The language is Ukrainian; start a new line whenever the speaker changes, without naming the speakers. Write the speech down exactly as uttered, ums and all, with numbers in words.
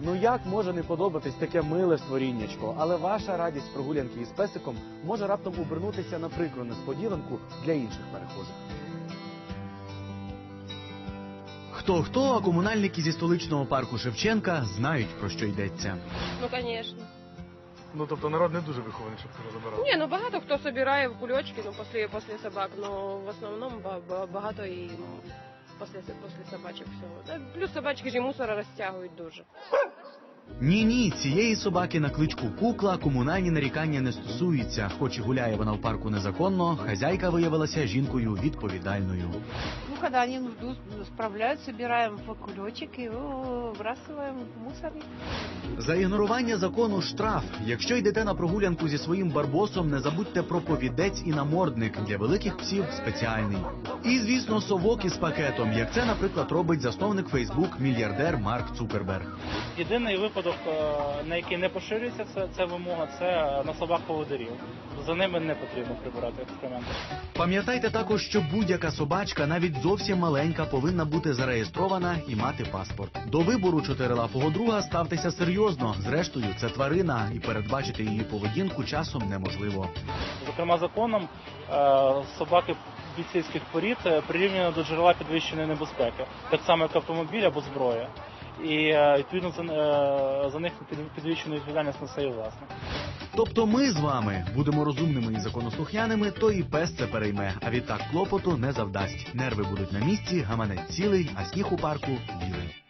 Ну як може не подобатись таке миле створіннячко? Але ваша радість прогулянки із песиком може раптом обернутися на прикру несподіванку для інших перехожих. Хто-хто, а комунальники зі столичного парку Шевченка знають, про що йдеться.
Ну, звісно.
Ну, тобто народ не дуже вихований, щоб це забирав?
Ні, ну багато хто збирає в кульочки, ну, після, після собак, ну, в основному багато і ну, після, після собачок всього. Плюс собачки ж і мусора розтягують дуже.
Ні-ні, цієї собаки на кличку Кукла комунальні нарікання не стосуються. Хоч і гуляє вона в парку незаконно, хазяйка виявилася жінкою відповідальною.
Ну, когда они нужду справляют, собираем в кулечек и его выбрасываем в мусорник.
За ігнорування закону штраф. Якщо йдете на прогулянку зі своїм барбосом, не забудьте про повідець і намордник. Для великих псів спеціальний. І, звісно, совок із пакетом, як це, наприклад, робить засновник Фейсбук мільярдер Марк Цукерберг.
Єдиний випадок, на який не поширюється ця, ця вимога, це на собак-поводирів. За ними не потрібно прибирати екскременти.
Пам'ятайте також, що будь-яка собачка, навіть зовсім маленька, повинна бути зареєстрована і мати паспорт. До вибору чотирилапого друга ставтеся серйозно. Зрештою, це тварина, і передбачити її поведінку часом неможливо.
Зокрема, законом собаки бійцівських порід прирівняно до джерела підвищеної небезпеки, так само як автомобіль або зброя. І, відповідно, за, за них підвищену відповідальність несе і власник.
Тобто ми з вами будемо розумними і законослухняними, то і пес це перейме, а відтак клопоту не завдасть. Нерви будуть на місці, гаманець цілий, а сніг у парку білий.